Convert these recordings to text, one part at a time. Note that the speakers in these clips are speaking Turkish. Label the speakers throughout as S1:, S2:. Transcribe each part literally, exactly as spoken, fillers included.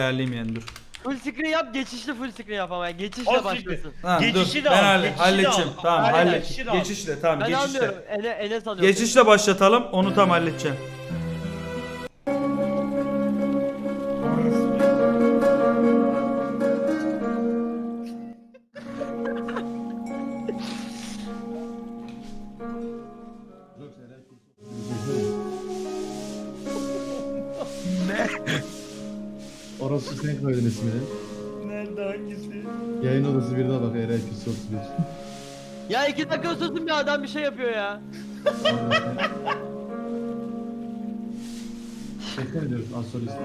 S1: ayarlayayım yani dur.
S2: Full screen yap, geçişli full screen yap ama yani geçişle
S3: O
S2: başlasın.
S1: Ha,
S3: Geçişi
S1: dur.
S3: de
S1: Ben
S3: al,
S1: halle-
S3: geçişi de
S1: halledeceğim.
S3: al.
S1: Tamam
S3: Aynen,
S1: hallet.
S3: geçişi de al.
S1: Geçişle tamam
S2: Ben
S1: geçişle.
S2: anlıyorum. Ene, Enes alıyor.
S1: Geçişle başlatalım. Onu tam halledeceğim.
S4: Orası sen koydun ismini.
S3: Nerede hangisi?
S4: Yayın odası birine bak Eray Küs otuz bir.
S2: Ya iki dakika susun bir adam bir şey yapıyor ya.
S4: Tekrar ediyoruz Astrolist'e.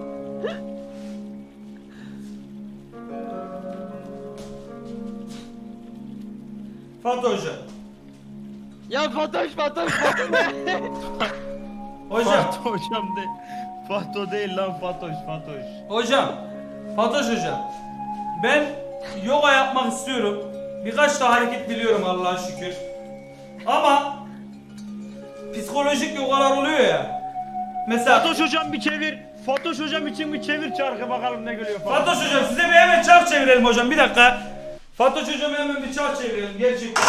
S1: Fatih Hoca.
S2: Ya Fatoş Fatoş Fatoş ne?
S1: Hocam.
S3: Fatih hocam de. Fatih değil lan Fatoş Fatoş.
S1: Hocam. Fatoş hocam. Ben yoga yapmak istiyorum. Birkaç da hareket biliyorum Allah'a şükür. Ama psikolojik yogalar oluyor ya. Mesela
S3: Fatoş hocam bir çevir. Fatoş hocam için bir çevir çarkı bakalım ne geliyor falan.
S1: Fatoş hocam size bir hemen çark çevirelim hocam bir dakika. Fatoş hocam hemen bir çark çevirelim gerçekten.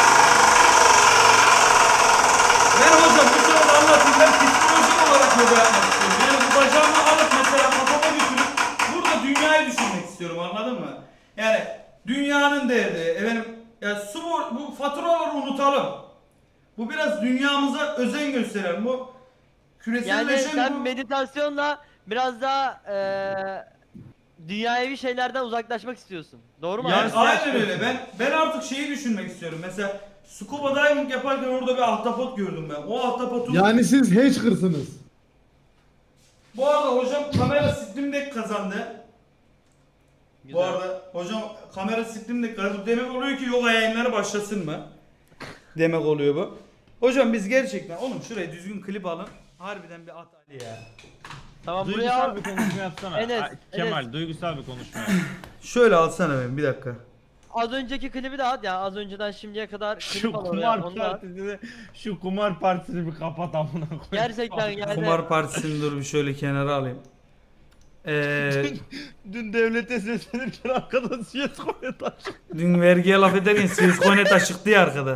S1: Ben hocam bu sırada anlatayım ben psikolojik olarak yoga yapmak istiyorum. Yani bu bacağımı alıp mesela kafama götürüp burada dünyayı düşünmek istiyorum anladın mı? Yani dünyanın derdi efendim ya su bu, bu faturaları unutalım. Bu biraz dünyamıza özen gösteren bu
S2: Yani
S1: küreselleşen
S2: sen
S1: bu...
S2: meditasyonla biraz daha eee dünyavi şeylerden uzaklaşmak istiyorsun. Doğru mu?
S1: Yani
S2: abi?
S1: aynen öyle. Ben ben artık şeyi düşünmek istiyorum. Mesela scuba diving yaparken orada bir ahtapot gördüm ben. O ahtapotu...
S4: Yani siz Hatcher'sınız.
S1: Bu arada hocam kamera Steam Deck kazandı.
S2: Güzel.
S1: Bu arada hocam kamera Steam Deck kazandı. Demek oluyor ki yoga yayınları başlasın mı? Demek oluyor bu. Hocam biz gerçekten oğlum şuraya düzgün klip alın. Harbiden bir at Ali ya.
S2: Tamam buraya
S3: Duygusal
S2: al.
S3: bir konuşma yapsana.
S2: Enes,
S3: Ay, Kemal
S2: Enes.
S3: duygusal bir konuşma yap.
S1: Şöyle alsana ben bir dakika.
S2: Az önceki klibi de at ya. Az önceden şimdiye kadar
S3: Şu
S2: klip al oraya.
S3: kumar
S2: Onu da at.
S3: partisini, şu kumar partisini bir kapat amına koyayım.
S2: Gerçekten yani.
S1: Kumar partisini dur bir şöyle kenara alayım. Eee
S3: Dün, dün devlete seslenirken arkadan siyes koyuyor taş.
S1: dün vergiye laf ederken Siskonet açıktı ya arkada.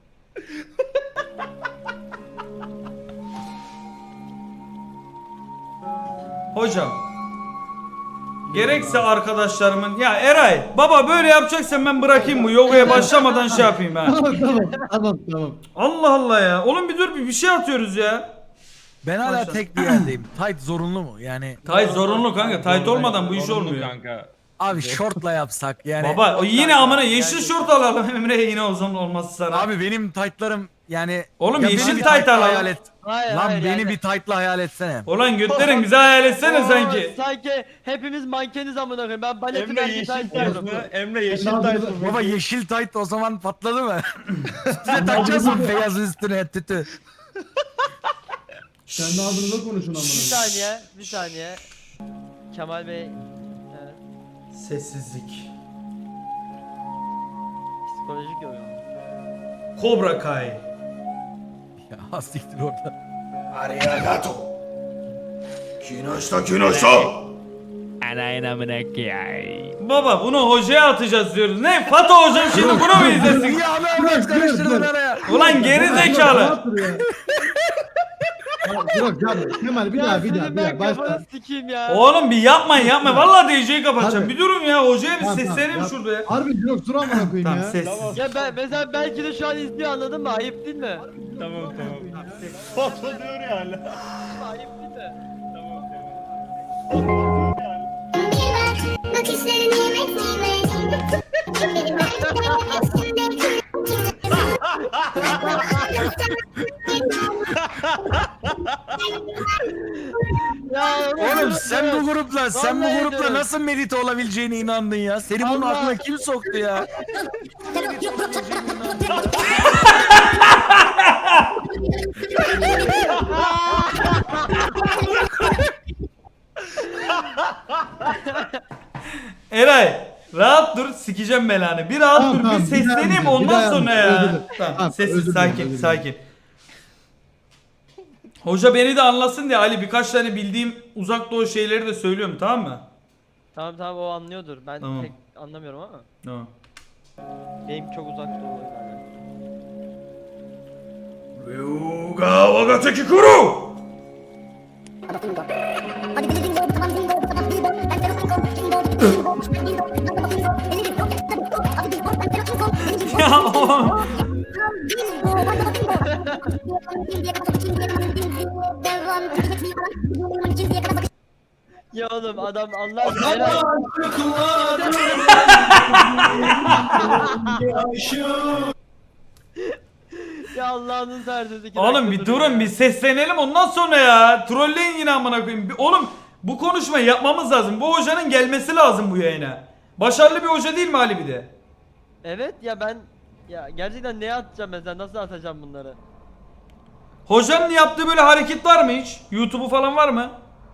S1: Hocam gerekse arkadaşlarımın ya Eray baba böyle yapacaksan ben bırakayım bu yogaya başlamadan şey yapayım ha.
S4: Tamam tamam tamam tamam.
S1: Allah Allah ya. Oğlum bir dur bir, bir şey atıyoruz ya.
S5: Ben hala
S1: Başla.
S5: tek bir yerdeyim. Tight zorunlu mu? Yani
S1: Tayt zorunlu kanka. Tayt olmadan bu iş
S3: Zorunlu
S1: olmuyor.
S3: Kanka.
S5: abi şortla yapsak yani.
S1: Baba o yine amına yeşil şort alalım Emre'ye yine o zaman olmazsa sana.
S5: Abi benim tightlarım yani.
S1: Oğlum
S5: Ya
S1: yeşil
S5: beni bir
S1: tight
S5: tight'la
S1: alalım.
S5: hayal et.
S2: Hayır,
S5: Lan
S2: hayır,
S5: beni
S2: yani.
S5: bir tight'la hayal etsene.
S1: Ulan götlerin bize hayal etsene
S2: Oo,
S1: sanki.
S2: Sanki hepimiz mankeniz amına koyayım. Ben baletin
S3: Emre yeşil tayt mı? Emre yeşil tayt mı?
S5: Baba yeşil tight o zaman patladı mı? Üstüne takacağız mı beyazın üstüne tütü?
S4: Kendi ağzınıza konuşun
S2: Bir
S4: amına.
S2: saniye, bir saniye. Kemal Bey, evet,
S1: Sessizlik.
S2: psikolojik yoga.
S1: Cobra Kai.
S5: Ya siktir orada.
S1: Arigato. Kinoşta kinoşta.
S3: Anayın amına koyayım.
S1: Baba bunu hocaya atacağız diyoruz. Ne? Fato hocam şimdi bunu mu izlesin?
S5: Ya abi Ahmet karıştırdın araya.
S1: Ulan geri zekalı.
S4: Rahat dur ya. Yok canım. Kemal bir
S2: Ya
S4: daha bir daha
S2: senin
S4: bir
S2: ben
S4: daha.
S2: kafanı
S4: Başla.
S2: sikeyim ya.
S1: Oğlum bir yapmayın yapma. Vallahi D J'yi kapatacağım.
S4: Hadi.
S1: Bir durun ya. Hocaya bir
S4: Tamam, tamam,
S1: sesleneyim
S4: yap.
S1: şurada ya.
S4: Harbi yok dur amına koyayım
S1: Tamam
S4: ya.
S1: sessiz.
S3: Tamam.
S2: Ya ben mesela belki de şu an izliyor anladın mı? Ayıp değil mi?
S3: Tamam tamam. Foto diyor ya hala.
S2: Ayıp değil mi?
S3: Tamam tamam.
S6: Bakışları nimet nimet.
S2: Ya
S5: Oğlum sen bu grupla sen bu
S2: Vallahi
S5: grupla
S2: diyorum.
S5: nasıl medite olabileceğine inandın ya? Seni bunun
S2: Allah.
S5: aklına kim soktu ya?
S1: Eray rahat dur sikeceğim belanı. Bir rahat
S4: Tamam,
S1: dur
S4: tamam,
S1: bir
S4: bir daha
S1: sesleneyim
S4: yapacağım, bir
S1: ondan
S4: daha
S1: sonra
S4: yapacağım.
S1: ya.
S4: Özür dilerim.
S1: Tamam,
S4: Tamam,
S1: sessiz
S4: özür dilerim,
S1: sakin
S4: özür dilerim.
S1: sakin. Hoca beni de anlasın diye Ali birkaç tane bildiğim uzak doğu şeyleri de söylüyorum tamam mı?
S2: Tamam tamam o anlıyordur. Ben
S1: Tamam.
S2: pek anlamıyorum ama.
S1: Tamam.
S2: Benim çok uzakta oluyor.
S1: Ryuga Wagateki Kuru! Ya oğlum.
S2: Ya oğlum adam Allah aşkına. Ya Allah'ın serdiği.
S1: Oğlum bir durun bir seslenelim ondan sonra ya. Trolleyin yine amına koyayım. Bir- Oğlum bu konuşmayı yapmamız lazım. Bu hocanın gelmesi lazım bu yayına. Başarılı bir hoca değil mi Ali bir de?
S2: Evet ya ben ya gerçekten neye atacağım mesela nasıl atacağım bunları?
S1: Hocanın yaptığı böyle hareket var mı hiç? YouTube'u falan var mı?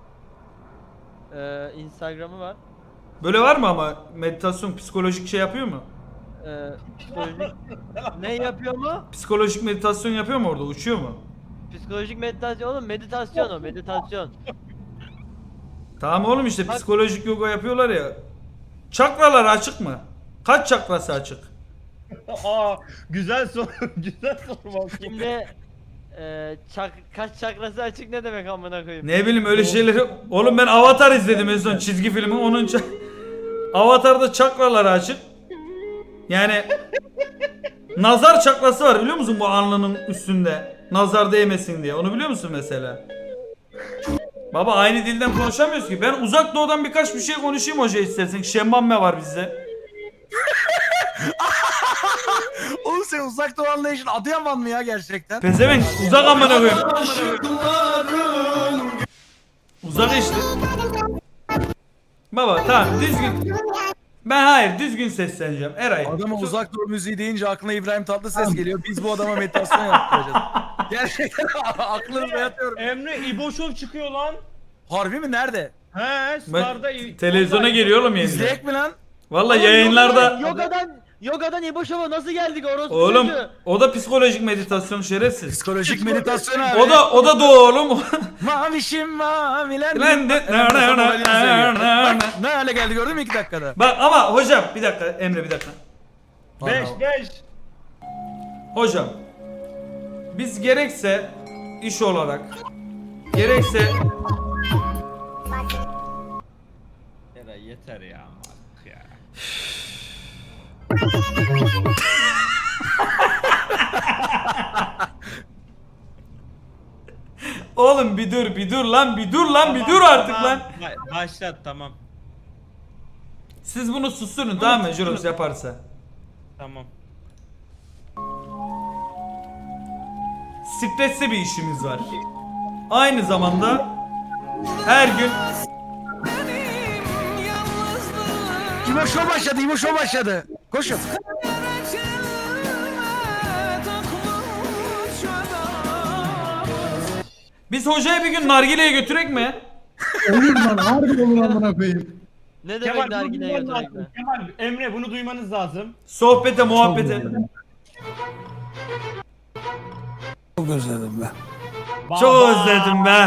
S2: Ee, Instagram'ı var.
S1: Böyle var mı ama meditasyon psikolojik şey yapıyor mu?
S2: Ee, psikolojik ne yapıyor mu?
S1: Psikolojik meditasyon yapıyor mu orada? Uçuyor mu?
S2: Psikolojik meditasyon oğlum meditasyon o meditasyon.
S1: Tamam oğlum işte
S2: Bak-
S1: psikolojik yoga yapıyorlar ya. Çakralar açık mı? Kaç çakrası açık?
S3: Aa güzel soru. Güzel soru bak.
S2: Şimdi e, çak, kaç çakrası açık ne demek amına koyayım?
S1: Ne bileyim öyle şeyleri... Oğlum ben Avatar izledim en son çizgi filmi. Onun ça- Avatar'da çakraları açık. Yani nazar çakrası var biliyor musun bu alnının üstünde? Nazar değmesin diye. Onu biliyor musun mesela? Baba aynı dilden konuşamıyoruz ki. Ben uzak doğudan birkaç bir şey konuşayım hoca istersen. Şembamme var bizde.
S5: Oğlum sen uzak doğu anlayışın Adıyaman mı ya gerçekten?
S1: Pezevenk uzak amına koyayım. Uzak işte. Baba tamam düzgün. Ben hayır düzgün sesleneceğim. Eray.
S5: Adama uzak doğu müziği deyince aklına İbrahim Tatlıses geliyor. Biz bu adama meditasyon yaptıracağız. Gerçekten aklınızda yatıyorum.
S3: Emre İboşov çıkıyor lan.
S5: Harbi mi? Nerede?
S3: He Star'da.
S1: Ben, televizyona geliyor oğlum yeniden.
S5: İzleyek mi lan?
S1: Valla yayınlarda.
S2: Yogadan Yogadan İboşov'a nasıl geldik orospu
S1: Oğlum
S2: çocuğu?
S1: o da psikolojik meditasyon şerefsiz.
S5: Psikolojik meditasyon abi.
S1: O da o da doğu oğlum.
S5: Mavişim maviler.
S1: Lan de-
S5: Hemen kafam halini seviyor. Bak ne hale geldi gördün mü iki dakikada?
S1: Bak ama hocam bir dakika Emre bir dakika.
S3: beş beş.
S1: Hocam biz gerekse iş olarak gerekse
S3: Eray yeter ya. Artık ya.
S1: oğlum bir dur bir dur lan bir dur lan bir dur artık
S3: Tamam,
S1: lan.
S3: ba- Başlat tamam.
S1: Siz bunu susturun tamam mı Jurox yaparsa.
S3: Tamam.
S1: Stresli bir işimiz var. Aynı zamanda her gün
S5: İbo Show başladı, İbo Show başladı. Koşun.
S1: biz hocaya bir gün nargileye götürek mi?
S4: Olur lan harbi olur amına koyayım.
S2: Ne demek
S3: Kemal bunu
S2: nargileye
S3: duyman
S2: götürmek
S3: lazım.
S2: mi?
S3: Kemal Emre bunu duymanız lazım.
S1: Sohbete muhabbete.
S5: Çok özledim ben.
S1: Çok
S3: Baba.
S1: özledim be.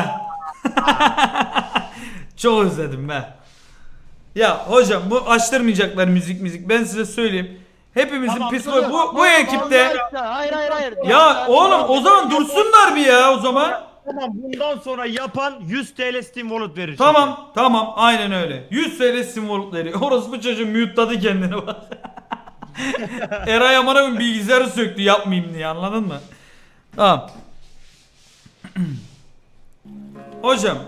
S1: Çok özledim be. Ya hocam bu açtırmayacaklar müzik müzik. Ben size söyleyeyim. Hepimizin
S3: Tamam,
S1: psikolo bu bu
S2: Vallahi
S1: ekipte.
S2: aşkına, Hayır hayır hayır.
S1: Ya oğlum o zaman dursunlar bir ya o zaman.
S3: Tamam bundan sonra yapan yüz T L Steam Wallet verir.
S1: Tamam tamam aynen öyle. yüz T L simvoluk veriyor. Orası bu çocuğu mute'ladı kendini bak. Eray amına bilgisayarı söktü yapmayayım diye anladın mı? Tamam. Hocam.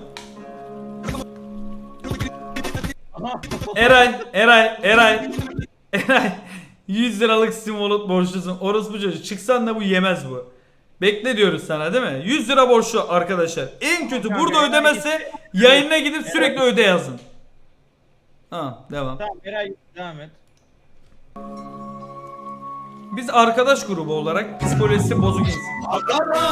S1: Eray, Eray, Eray. Eray. yüz liralık Steam Wallet borçlusun. Orası bu çocuk. Çıksan da bu yemez bu. Bekle diyoruz sana değil mi? yüz lira borçlu arkadaşlar. En kötü burada ödemezse yayınına gidip sürekli öde yazın. Tamam devam.
S3: Tamam Eray devam et.
S1: Biz arkadaş grubu olarak psikolojisi bozuk insan.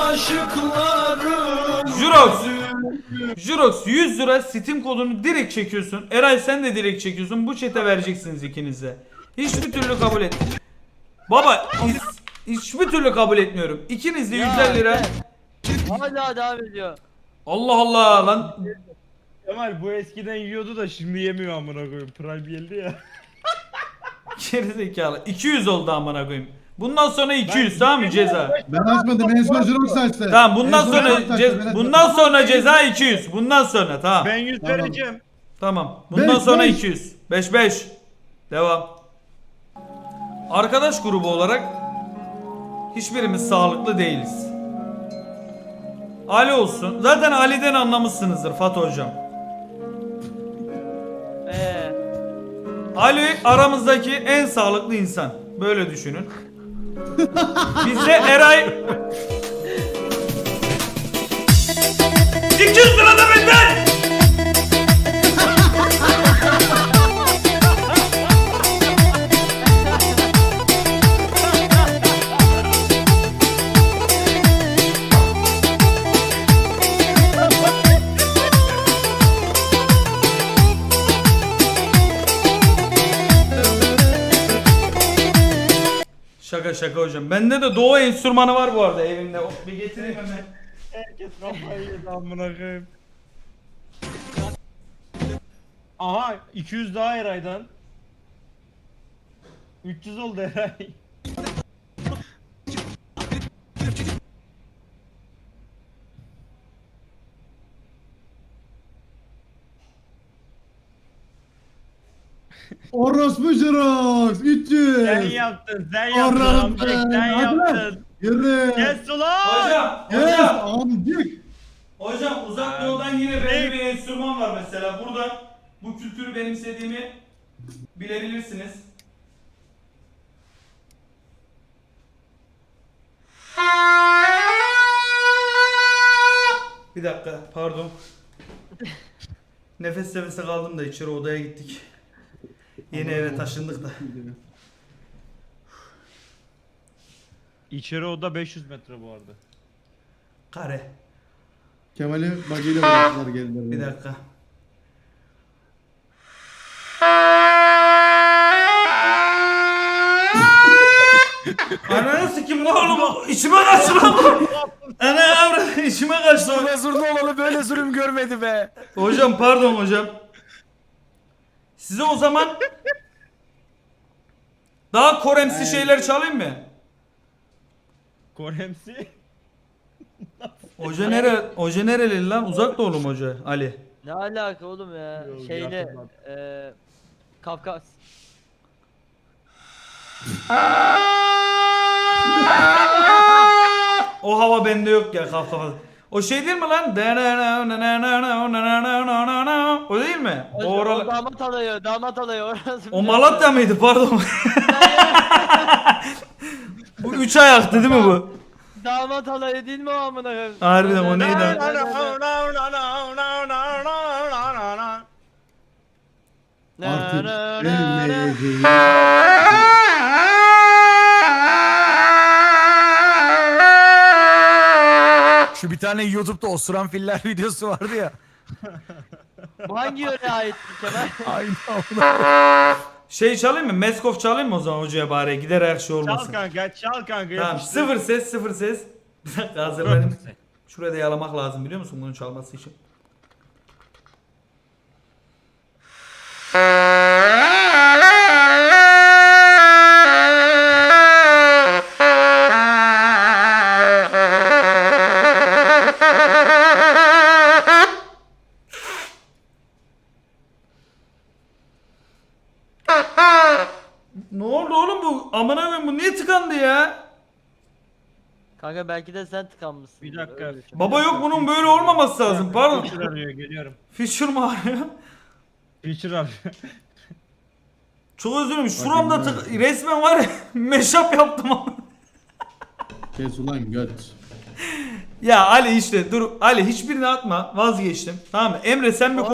S1: Jurox. Jurox yüz lira Steam kodunu direkt çekiyorsun. Eray sen de direkt çekiyorsun. Bu chat'e vereceksiniz ikiniz de. Hiçbir türlü kabul et. Baba hiç, hiçbir türlü kabul etmiyorum. İkiniz de yüz elli lira.
S2: Hala devam ediyor.
S1: Allah Allah lan.
S3: Kemal bu eskiden yiyordu da şimdi yemiyor amına koyayım. Prime geldi ya.
S1: Gerizekalı. iki yüz oldu amına koyayım. Bundan sonra iki yüz
S3: Ben-
S1: tamam mı ceza?
S4: Ben açmadım. En son Jirox açtı.
S1: Tamam bundan
S4: En son
S1: sonra
S4: Jirox açtı,
S1: ce-
S4: ben
S1: bundan
S4: açmadım.
S1: sonra ceza iki yüz. Bundan sonra tamam.
S3: Ben yüz
S4: Tamam.
S3: vereceğim.
S1: Tamam. Bundan
S4: Beş,
S1: sonra
S4: beş.
S1: iki yüz. beş beş. Devam. Arkadaş grubu olarak hiçbirimiz sağlıklı değiliz. Ali olsun. Zaten Ali'den anlamışsınızdır Fatih hocam.
S2: Ee,
S1: Ali aramızdaki en sağlıklı insan. Böyle düşünün. Bizde Eray iki yüz lira da benden. Şaka şaka hocam. Bende de doğu enstrümanı var bu arada evimde. Oh, bir getireyim hemen.
S3: Herkes kafayı yedi amına koyayım. Aha iki yüz daha Eray'dan. üç yüz oldu Eray.
S4: Orospu Jirox. üç yüz.
S3: Sen yaptın, sen yaptın
S4: Orospu.
S3: amcık, sen
S4: Hadi lan.
S3: yaptın.
S4: Yürü.
S3: Kes ulan!
S1: Hocam,
S4: Yes
S1: hocam.
S4: amcık.
S1: Hocam uzak doğudan yine belli bir enstrüman var mesela. Buradan bu kültürü benimsediğimi bilebilirsiniz. Bir dakika pardon. Nefes nefese kaldım da içeri odaya gittik. Yeni eve taşındık da.
S3: İçeri oda beş yüz metre bu arada.
S1: Kare.
S4: Kemal'i bagıyla bıraktılar geldiler.
S1: Bir dakika. Ananı sikim ne oğlum? İçime kaçtı lan bu. Ana yavrum içime kaçtı.
S5: Zurna zurna olalı böyle zulüm görmedi be.
S1: Hocam pardon hocam. Size o zaman daha Koremsi şeyler çalayım mı?
S3: Koremsi.
S1: Hoca nere? Hoca nereli lan? Uzak doğulu mu hoca? Ali.
S2: ne alaka oğlum ya?
S3: Yok,
S2: Şeyle
S3: yakın
S2: eee Kafkas.
S1: O hava bende yok ya kaf kafa. O şey değil mi lan? O değil mi? O,
S2: O, o
S1: oralar-
S2: damat alayı, damat alayı orası.
S1: o Malatya mıydı pardon? Bu üç ayaktı değil mi bu?
S2: Damat alayı değil mi o amına koyayım?
S1: Harbiden o neydi?
S4: Artık gelmeyeceğim.
S5: Şu bir tane YouTube'da osuran filler videosu vardı ya.
S2: Bu hangi yöre ait Kemal?
S5: Aynı ona.
S1: Şey çalayım mı? Meskov çalayım mı o zaman hocaya bari? Gider her şey
S3: Çal
S1: olmasın.
S3: kanka, çal kanka.
S1: Tamam
S3: yapıştır.
S1: sıfır ses sıfır ses. Bir dakika hazır benim. Şuraya da yalamak lazım biliyor musun bunun çalması için? Ne oldu oğlum bu? Amına koyayım bu niye tıkandı ya?
S2: Kanka belki de sen tıkanmışsın.
S3: Bir dakika.
S2: Öyle düşün.
S1: Baba yok bunun böyle olmaması lazım. Pardon.
S3: Feature arıyor, geliyorum.
S1: Feature mı arıyor?
S3: Feature arıyor.
S1: Çok özür dilerim. Şuramda tık resmen var ya meşap yaptım ama.
S4: Kes ulan göt.
S1: Ya Ali işte dur Ali hiçbirini atma vazgeçtim. Tamam mı? Emre sen bir